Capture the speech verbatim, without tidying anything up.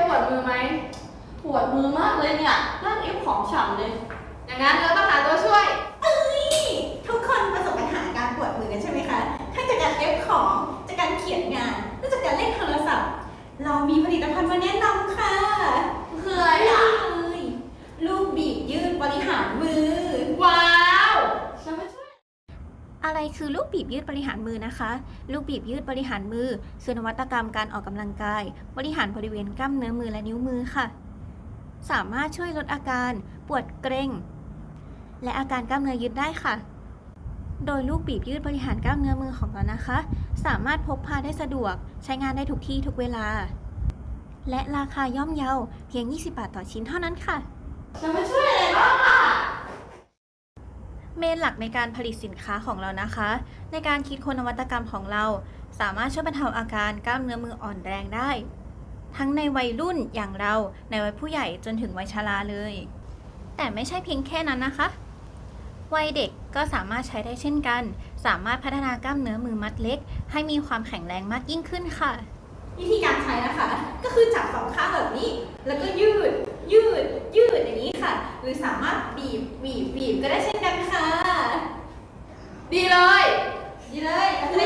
วดมือไหมปวดมือมากเลยเนี่ยนั่งเอฟของฉ่ำเลยอย่างนั้นเราต้องหาตัวช่วยเอ้ยทุกคนประสบปัญหาการปวดมือกันใช่ไหมคะทั้งจากการเอฟของจากการเขียนงานและจากการเล่นโทรศัพท์ เรามีผลิตภัณฑ์มาแนะนำค่ะคืออะไรอ่ะเลยลูกบีบยืดบริหารมือว้าวจะมาช่วยอะไรคือลูกบีบยืดบริหารมือนะคะ ลูกบีบยืดบริหารมือคือนวัตกรรมการออกกำลังกาย บริหารบริเวณกล้ามเนื้อมือและนิ้วมือค่ะ สามารถช่วยลดอาการปวดเกร็งและอาการกล้ามเนื้อยึดได้ค่ะ โดยลูกบีบยืดบริหารกล้ามเนื้อมือของเรานะคะ สามารถพกพาได้สะดวกใช้งานได้ทุกที่ทุกเวลา และราคาย่อมเยาเพียงยี่สิบบาทต่อชิ้นเท่านั้นค่ะจะมาช่วยอะไรบ้างอ่ะเมนหลักในการผลิตสินค้าของเรานะคะ ในการคิดค้นนวัตกรรมของเรา สามารถช่วยบรรเทาอาการกล้ามเนื้อมืออ่อนแรงได้ ทั้งในวัยรุ่นอย่างเราในวัยผู้ใหญ่จนถึงวัยชราเลย แต่ไม่ใช่เพียงแค่นั้นนะคะ วัยเด็กก็สามารถใช้ได้เช่นกัน สามารถพัฒนากล้ามเนื้อมือมัดเล็ก ให้มีความแข็งแรงมากยิ่งขึ้นค่ะวิธีการใช้นะคะ ก็คือจับสองข้างแบบนี้ แล้วก็ยืด ยืด ยืดอย่างนี้ค่ะ หรือสามารถบีบ บีบ บีบก็ได้เช่นกันค่ะดีเลยดีเลยเราจะ